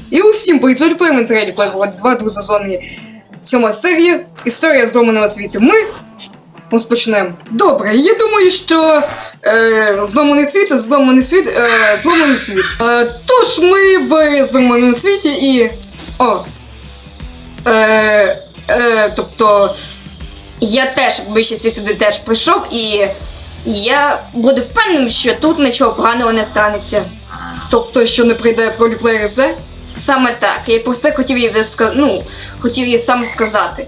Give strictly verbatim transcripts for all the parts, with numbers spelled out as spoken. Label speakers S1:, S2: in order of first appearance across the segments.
S1: І усім привіт, Плеймен з Ready Player One два, друга сезоні, сьома серія, історія зломаного світу. Ми розпочнемо. Добре, я думаю, що е, зломаний світ, зломаний світ, е, зломаний світ. Е, тож ми в зломаному світі і... О. Е, е, тобто...
S2: Я теж вище сюди теж прийшов, і я буду впевненим, що тут нічого поганого не станеться.
S1: Тобто, що не прийде роліплеєр Зе?
S2: Саме так. Я про це хотів їй ска... ну, хотів їй сам сказати.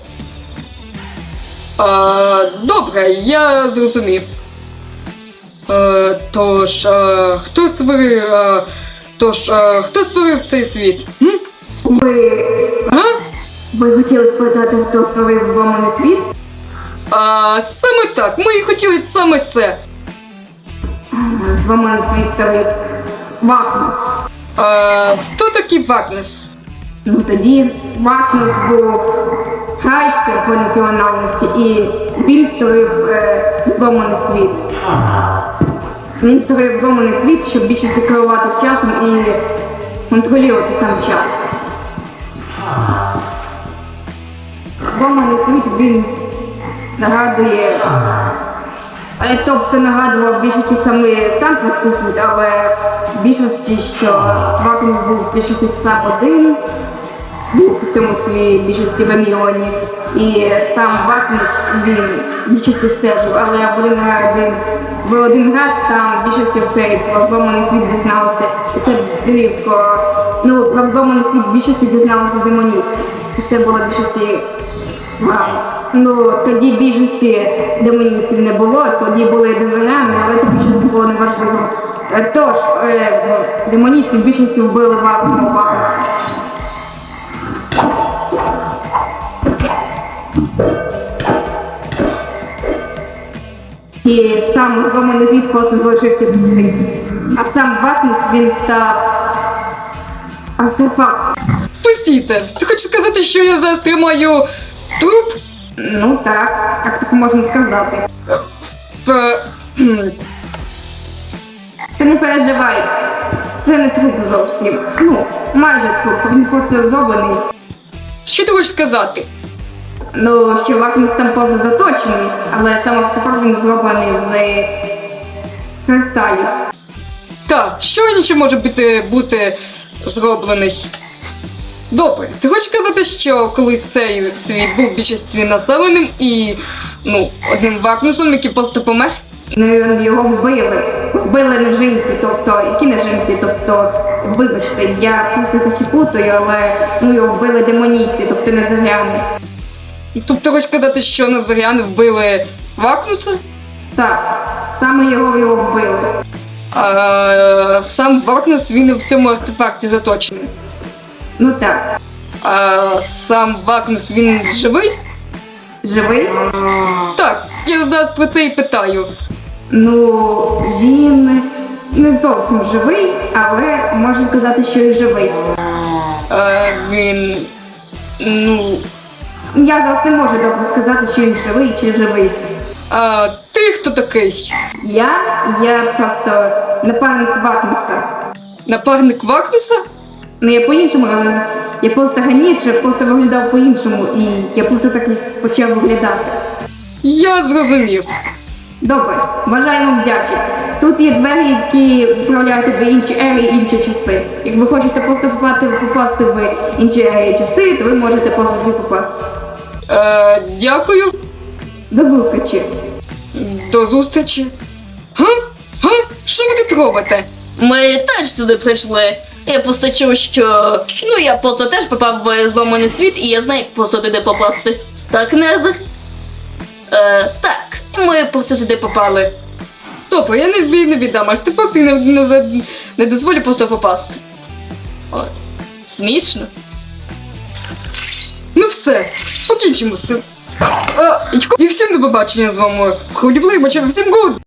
S1: А, добре, я зрозумів. А, тож, а, хто створив, а, тож, а, хто створив цей світ? М?
S3: Ви...
S1: А?
S3: Ви хотіли спитати, хто створив зломаний світ?
S1: А, саме так, ми і хотіли саме це.
S3: Зломаний світ створив Вакнус.
S1: А, хто такий Вакнус?
S3: Ну тоді Вакнус був гайцем по національності, і він створив е, зломаний світ. Він створив зломаний світ, щоб більше керувати часом і контролювати сам час. Зломаний світ, він нагадує, е, тобто нагадував більшості саме сам простий світ, але в більшості, що Вакнус був в більшості сам один, був в цьому свій більшості в мільйоні, і сам Вакнус він більшості стежив, але в один раз він в один раз там більшості в цей про зломаний світ дізналися, і це дивко, ну про зломаний світ більшості дізналися демоніці, і це було більшості грам. Ну, тоді більшості демонів не було, тоді були дезоряни, але це більшості було неважливо. Е, Тож, е, демоніці в більшості вбили вас, мого Вакнуса. І сам зломаний світ просто залишився пустий. А сам Вакнус, він став артефактом.
S1: Постійте, ти хочеш сказати, що я зараз тримаю труп?
S3: Ну так, як так можна сказати.
S1: П... кхм.
S3: Ти не переживай, це не труп зовсім. Ну, майже труп, він просто зроблений.
S1: Що ти хочеш сказати?
S3: Ну, що Вакнус там поза заточений, але сам артефакт він зроблений з кристалів.
S1: Та, що інше може бути, бути зроблений? Добре, ти хочеш казати, що колись цей світ був більшості населеним і, ну, одним Вакнусом, який просто помер?
S3: Ну, його вбили. Вбили нежинці, тобто, які нежинці, тобто, вибачте, я просто трохи плутаю, але, ну, його вбили демоніці, тобто незоряни.
S1: Тобто ти хочеш казати, що Назаряни вбили Вакнуса?
S3: Так, саме його його вбили.
S1: А сам Вакнус, він в цьому артефакті заточений.
S3: Ну так.
S1: А сам Вакнус, він живий?
S3: Живий?
S1: Так, я зараз про це і питаю.
S3: Ну, він не зовсім живий, але можна сказати, що і живий.
S1: А він, ну...
S3: Я зараз не можу добре сказати, чи він живий, чи живий.
S1: А ти хто такий?
S3: Я? Я просто напарник Вакнуса.
S1: Напарник Вакнуса?
S3: Ну я по-іншому, е, я просто раніше просто виглядав по-іншому, і я просто так почав виглядати.
S1: Я зрозумів.
S3: Добре, бажаю вам вдячі. Тут є двері, які відправляють в інші ери і інші часи. Як ви хочете просто попасти, попасти в інші ери і часи, то ви можете просто туди попасти.
S1: Е, дякую.
S3: До зустрічі.
S1: До зустрічі. Га? Га? Що ви тут робите?
S2: Ми теж сюди прийшли. Я просто чув, що... Ну, я просто теж попав в зломаний світ, і я знаю, як просто туди попасти. Так, Незер? Е, так, ми просто сюди попали.
S1: Добре, я не, не віддам артефакт і не, не, за- не дозволю просто попасти.
S2: Ой, смішно.
S1: Ну все, покінчимо з цим. А, і всім до побачення з вами. Хвилювали, всім гуд!